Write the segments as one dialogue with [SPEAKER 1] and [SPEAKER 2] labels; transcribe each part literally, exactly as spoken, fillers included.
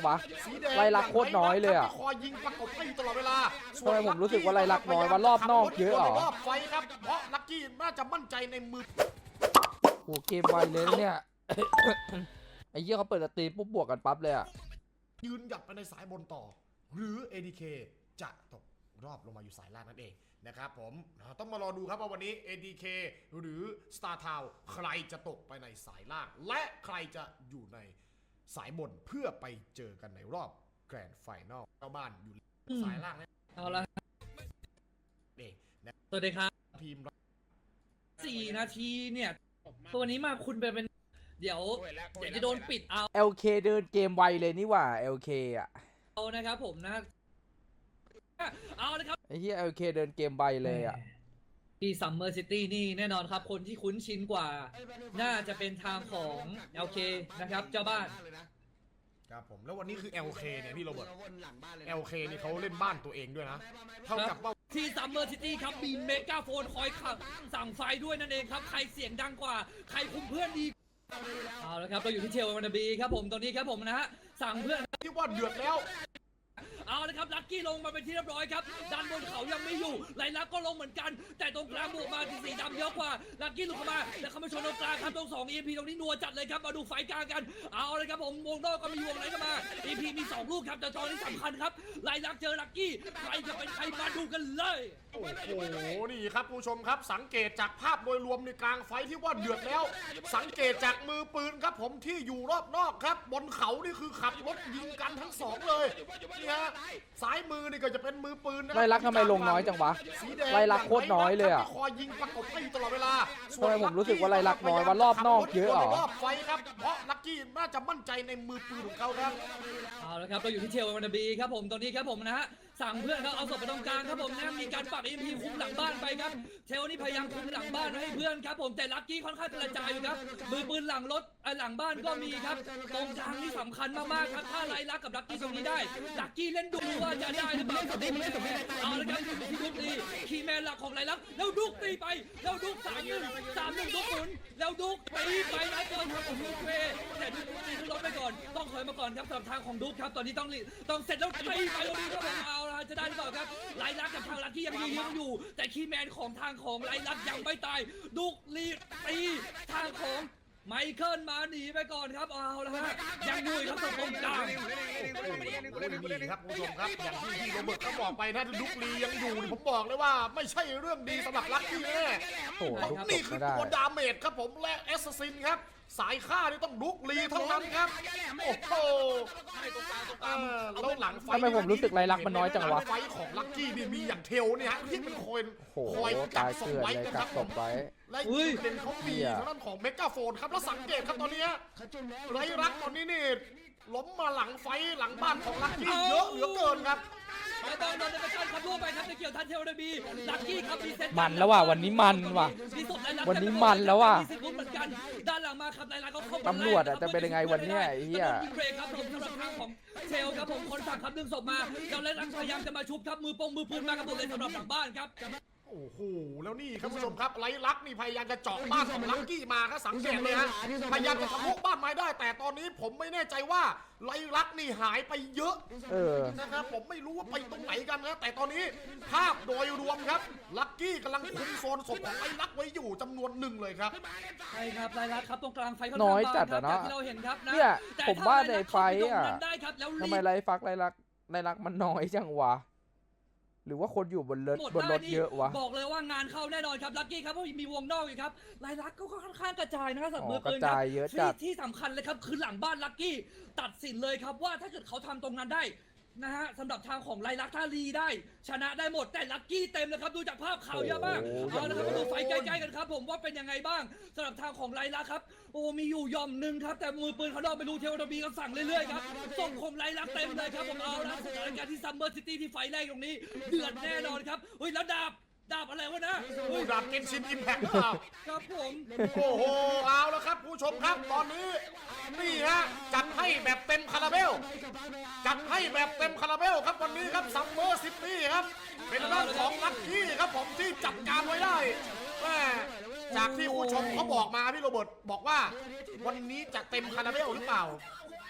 [SPEAKER 1] วะไล่ลักโคตรน้อยเลยอ่ะ
[SPEAKER 2] คอยยิงประกบให้อยู่ตลอดเวลา
[SPEAKER 1] ทำไมผมรู้สึกว่าไล่ลักน้อยว่ารอบนอกเยอะเหรอ
[SPEAKER 2] รอบไฟครับเพราะลักกี้น่าจะมั่นใจในมือ
[SPEAKER 1] โอ้เกมไวเลยเนี่ย ไอ้เหี้ยเขาเปิดสตรีมปุ๊บบวกกันปั๊บเลยอ่ะ
[SPEAKER 2] ยืนหยัดไปในสายบนต่อ หรือ เอ ดี เค จะตกรอบลงมาอยู่สายล่างนั่นเองนะครับผมต้องมารอดูครับว่าวันนี้ เอ ดี เค หรือ Star Town ใครจะตกไปในสายล่าง และใครจะอยู่ในสายบนเพื่อไปเจอกันในรอบแกรนด์ไฟนอลเจ้าบ้านอยู่สายล่างนะ
[SPEAKER 3] เอาละ
[SPEAKER 2] เองนะ
[SPEAKER 3] สวัสดีครับ
[SPEAKER 2] ทีม
[SPEAKER 3] สี่นาทีเนี่ย ตัวนี้มาคุณไปเป็น เดี๋ยวเดี๋ยวจะโดนปิดเอา
[SPEAKER 1] แอล เค เดินเกมไวเลยนี่หว่า แอล เค อ่ะ
[SPEAKER 3] นะครับผมนะ เอาเลยครับ
[SPEAKER 1] ไอ้เหี้ย แอล เค เดินเกมไวเลยอ่ะ
[SPEAKER 3] ที่ซัมเมอร์ซิตี้นี่แน่นอนครับ คนที่คุ้นชินกว่า น่าจะเป็นทางของ แอล เค นะครับ เจ้าบ้าน
[SPEAKER 2] ครับผมแล้ววันนี้คือ แอล เค เนี่ยพี่โรเบิร์ต แอล เค นี่เขาเล่นบ้านตัวเองด้วยนะเท่ากับว่า
[SPEAKER 3] ที่ซัมเมอร์ซิตี้ครับมีเมกาโฟนคอยขับสั่งไฟด้วยนั่นเองครับ ใครเสียงดังกว่า ใครคุมเพื่อนดี เอาละครับ เราอยู่ที่เชลวันนาบีครับผมตอนนี้ครับผมนะฮะ สั่งเพื่อน
[SPEAKER 2] ที่ว่าเดือดแล้ว
[SPEAKER 3] เอาละครับลักกี้ลงมาเป็นที่เรียบร้อยครับด้านบนเขายังไม่อยู่ไลลักก็ลงเหมือนกันแต่ตรงกลางบวกมาที่สีดำเยอะกว่าลักกี้หลุดเข้ามาแล้วเข้ามาชนตรงกลางครับตรงสอง อี พี ตรงนี้นัวจัดเลยครับมาดูไฟกลางกันเอาเลยครับผมวงนอกก็มีวงไหนก็มา อี พี มีสองลูกครับแต่ตอนนี้สำคัญครับไลลักเจอลักกี้ใครจะเป็นใครมาดูกันเลย
[SPEAKER 2] โอ้โห นี่ครับผู้ชมครับสังเกตจากภาพโดยรวมในกลางไฟที่ว่าเดือดแล้ว สังเกตจากมือปืนครับผมที่อยู่รอบนอกครับ บนเขานี่คือขับรถยิงกันทั้งสองเลยนี่ฮะซ้ายมือนี่ก็จะเป็นมือปืนนะ
[SPEAKER 1] ไล่ลักทำไมลงน้อยจังวะ
[SPEAKER 2] สีแดง
[SPEAKER 1] ไล่ลักโคตรน้อยเลยอ่ะ
[SPEAKER 2] ที่คอยยิงประกบให้อยู่ตลอดเวลา
[SPEAKER 1] ทำไมผมรู้สึกว่าไล่ลักน้อยว่ารอบนอกเยอะเหรอ
[SPEAKER 2] รอบไฟครับเพราะลักกี้น่าจะมั่นใจในมือปืนของเขาครับ
[SPEAKER 3] เอาละครับเราอยู่ที่เชลวันนาบีครับผมตอนนี้ครับผมนะฮะสั่งเพื่อนครับเอาศพไปตรงกลางครับผมนะมีการปรับ เอ็ม พี คุมหลังบ้านไปครับเชลนี่พยายามคุมหลังบ้านให้เพื่อนครับผมแต่ลักกี้ค่อนข้างกระจายอยู่ครับมือปืนหลังรถหลังบ้านก็มีครับตรงกลางนี่สำคัญมากๆครับถ้าไล่ลักกับลักกี้ตรงนี้ได้ลักกี้เล่นดูว่าจะได้หรือเปล่าเอาละครับที่ดุกตีคีย์แมนหลักของไล่ลักแล้วดุกตีไปแล้วดุกสามหนึ่งสามหนึ่งดุกหมุนแล้วดุกตีไปนะเกินครับของดุกเวแต่ดุกตีขึ้นรถไปก่อนต้องถอยมาก่อนครับสำหรับทางของดุกครับตอนนี้ต้องต้องเสร็จแล้วตีไปตรงนี้ครับเอาละจะได้หรือเปล่าครับไล่ลักกับทางลักกี้ยังยืนยังอยู่แต่คีย์แมนของทางของไล่ลักยังไม่ตายดุกลีตีทางของไมเคิลมาหนีไปก่อนครับเอาละฮะยังอยู่ครับตรงกลาง
[SPEAKER 2] นี่ครับคุณผู้ชมครับอย่างที่พี่โรเบิร์ตเขาบอกไปนะดุกลียังอยู่ผมบอกเลยว่าไม่ใช่เรื่องดีสำหรับลักกี้แน่
[SPEAKER 1] โอ้โหลุกต
[SPEAKER 2] นี่
[SPEAKER 1] ก
[SPEAKER 2] คือ
[SPEAKER 1] ไม่ได้
[SPEAKER 2] ตัวดาเมจครับผมและแอสซัสซินครับสายฆ่านี่ต้องดุกลีเท่านั้นครับโอ้โหเออแล้วหลังไฟ
[SPEAKER 1] ทำไมผมรู้สึกไล่ลักมันน้อยจังวะ
[SPEAKER 2] หลัไฟของลักกี้นี่มีอย่างเทลเนี่ยฮะที่เป็นคน
[SPEAKER 1] โอ้โห
[SPEAKER 2] คอยกั
[SPEAKER 1] ตาก ย
[SPEAKER 2] ศพ
[SPEAKER 1] เกลือน
[SPEAKER 2] ไว้
[SPEAKER 1] เลย
[SPEAKER 2] นะค
[SPEAKER 1] กั
[SPEAKER 2] รั
[SPEAKER 1] ก
[SPEAKER 2] บ
[SPEAKER 1] ศพไว้
[SPEAKER 2] และอีกเป็นเขามีทางด้านของเมกาโฟนครับแล้วสังเกตครับตอนนี้ไรรักตอนนี้นี่ล้มมาหลังไฟหลังบ้านของลักกี้เยอะเหลือเกินครับ
[SPEAKER 3] แล้วตอนโดนไปกันครับล่วงไปครับจะเกี่ยวทันเทลเดบีลักกี้ครับมีเซต
[SPEAKER 1] มันแล้วว่ะวันนี้มันว่ะ
[SPEAKER 3] มีศพไล่ลัก
[SPEAKER 1] วันนี้มันแล้วว่ะ
[SPEAKER 3] มีสิทธิ์ลุ้นเหมือนกันด้านหลังมาครับไล่ลักเขาเข้ามา
[SPEAKER 1] ตำรวจอะจะเป็นยังไงวันเนี้ยไอ้เหี้ย
[SPEAKER 3] โดนยิงเบรกครับผมสำหรับทางของเชลครับผมคนสั่งครับดึงศพมาแล้วไล่ลักพยายามจะมาชุบครับมือปงมือปืนมากับหมดเลยสำหรับหลังบ้านครับ
[SPEAKER 2] โอ้โห แล้วนี่ครับผู้ชมครับไรลักนี่พยายามจะเจาะบ้านของลักกี้มาครับสังเกตเลยฮะพยายามจะทะลุบ้านไม้ได้ แต่ตอนนี้ผมไม่แน่ใจว่าไรลักนี่หายไปเยอะ
[SPEAKER 1] เออ
[SPEAKER 2] นะครับผมไม่รู้ว่าไปตรงไหนกันนะแต่ตอนนี้ภาพโดยรวมครับลักกี้กำลังคุมโซนศพของไรลักไว้อยู่จำนวนหนึ่งเลยครับ
[SPEAKER 3] ใช่ครับไล่ลักครับตรงกลางไฟค่อน
[SPEAKER 1] น้
[SPEAKER 3] ข้าง
[SPEAKER 1] อย
[SPEAKER 3] บาง
[SPEAKER 1] จัด
[SPEAKER 3] ครั
[SPEAKER 1] อะ
[SPEAKER 3] บ
[SPEAKER 1] เนาะ
[SPEAKER 3] จากที่เราเห็นครับนะ
[SPEAKER 1] เนี่ย
[SPEAKER 3] แต่
[SPEAKER 1] ผม
[SPEAKER 3] ถ้
[SPEAKER 1] ว่า
[SPEAKER 3] ไล่
[SPEAKER 1] ใน
[SPEAKER 3] ลัก
[SPEAKER 1] ไฟ
[SPEAKER 3] เข้าปตรง
[SPEAKER 1] อ่ะ
[SPEAKER 3] นั้นได้ครับแล้ว
[SPEAKER 1] ทำไมไล่ฟักไล่ลักไล่ลักมันน้อยจังวะหรือว่าคนอยู่บนรถ
[SPEAKER 3] หมด
[SPEAKER 1] บนรถ
[SPEAKER 3] ได้นี่
[SPEAKER 1] เยอะวะ
[SPEAKER 3] บอกเลยว่างานเข้าแน่นอนครับลักกี้ครับเพราะมีวงนอกอยู่ครับไล่ลักก็ค่อนข้างกระจายนะครับสำหรับ
[SPEAKER 1] อ๋อ
[SPEAKER 3] มือปืน
[SPEAKER 1] กระจายเยอะจั
[SPEAKER 3] ที่
[SPEAKER 1] ด
[SPEAKER 3] ที่สำคัญเลยครับคือหลังบ้านลักกี้ตัดสินเลยครับว่าถ้าเกิดเขาทำตรงนั้นได้นะฮะสำหรับทางของไลลักถ้าลีได้ ชนะได้หมดแต่ลักกี้เต็มเลยครับดูจากภาพข่าวเยอะมาก
[SPEAKER 1] โอ้โห
[SPEAKER 3] เอาละครับมาดูไฟใกล้ๆกันครับผมว่าเป็นยังไงบ้างสำหรับทางของไลลักครับโอ้มีอยู่ย่อมหนึ่งครับแต่มือปืนเขานอกไปดูเทวดาบีก็สั่งเรื่อยๆครับส่งคมไลลักเต็มเลยครับผมเอาละสถานการณ์ที่ซัมเมอร์ซิตี้ที่ไฟแรกตรงนี้เดือดแน่นอนครับเฮ้ยแล้วดาบดาบอะไรวะนะ
[SPEAKER 2] โอ้ดาบเกนชินอิมแพคหรือเปล่า
[SPEAKER 3] ครับผม
[SPEAKER 2] โอ้โห เอาแล้วครับผู้ชมครับตอนนี้นี่ฮะจัดให้แบบเต็มคาราเบลจัดให้แบบเต็มคาราเบลครับวันนี้ครับซัมเมอร์ซิตี้ครับเป็นด้านของลัคกี้ครับผมที่จัดการไว้ได้แม่จากที่ผู้ชมเขาบอกมาพี่โรเบิร์ตบอกว่าวันนี้จะเต็มคาราเบลหรือเปล่า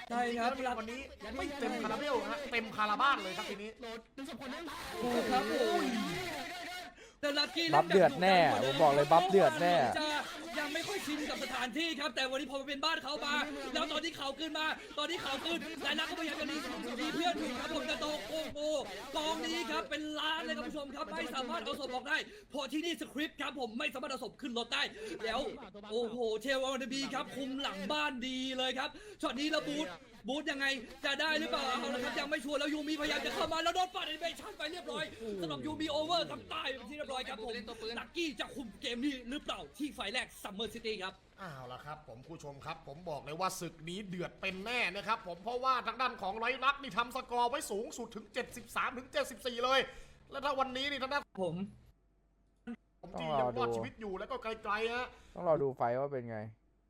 [SPEAKER 3] ใช่ครับ
[SPEAKER 2] แล้ววันนี้ไม่เต็มคาราเบลฮะเต็มคาราบ้านเลยครับทีนี้
[SPEAKER 3] ถูกครับผมแต่ลักกี้
[SPEAKER 1] บัฟเดือดแน่ผมบอกเลยบัฟเดือดแน่
[SPEAKER 3] จะยังไม่ค่อยชินกับสถานที่ครับแต่วันนี้พอมาเป็นบ้านเขามาแล้วตอนที่เขาขึ้นมา ตอนที่เขาขึ้นหลายนักก็พยายามจะรีรีเพื่อนอยู่ครับผมจะโตโอ้โหกองนี้ครับเป็นล้านเลยครับผู้ชมครับไม่สามารถเอาศพออกได้เพราะที่นี่สคริปต์ครับผมไม่สามารถเอาศพขึ้นรถได้แล้วโอ้โหเทลวันบีครับคุมหลังบ้านดีเลยครับช็อตนี้ระบูทบูทยังไงจะได้หรือเปล่าเอาละครับยังไม่ชัวร์แล้วยูมีพยายามจะเข้ามาแล้วโดนปัดแอนิเมชั่นไปเรียบร้อยสำหรับยูมีโอเวอร์ครับตายเป็นที่เรียบร้อยครับผมลักกี้จะคุมเกมนี้หรือเปล่าที่ไฟแรกซัมเมอร์ซิตี้ครับ
[SPEAKER 2] อ้าวละครับผมผู้ชมครับผมบอกเลยว่าศึกนี้เดือดเป็นแน่นะครับผมเพราะว่าทางด้านของไรลักษณ์นี่ทำสกอร์ไว้สูงสุดถึง เจ็ดสิบสามถึงเจ็ดสิบสี่ เลย แล้วถ้าวันนี้นี่ทางด้าน
[SPEAKER 3] ผม
[SPEAKER 2] ผมที่ยังรอดชีวิตอยู่แล้วก็ไกลๆฮะ
[SPEAKER 1] ต้องรอดูไฟว่าเป็นไง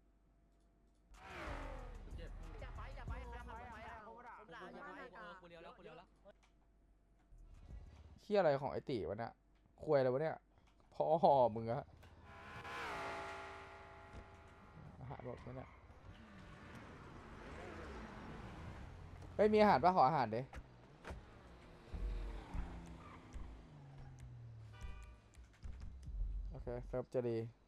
[SPEAKER 1] เฮียอะไรของไอติวะเนี่ยควยอะไรวะเนี่ยพ่อมึงอะอาหารหมดไหมเนี่ยไม่มีอาหารป่ะขออาหารเด้โอเคเซิร์ฟจะดี